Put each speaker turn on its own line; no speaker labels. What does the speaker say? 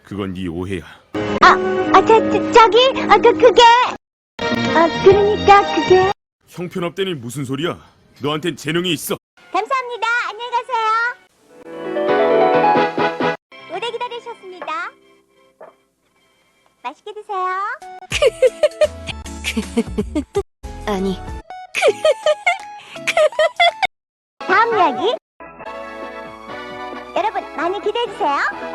그건 네 오해야.
그게. 그러니까 그게.
형편없다니 무슨 소리야? 너한텐 재능이 있어.
감사합니다. 안녕히 가세요. 오래 기다리셨습니다. 맛있게 드세요.
아니,
다음 이야기. 여러분 많이 기대해 주세요.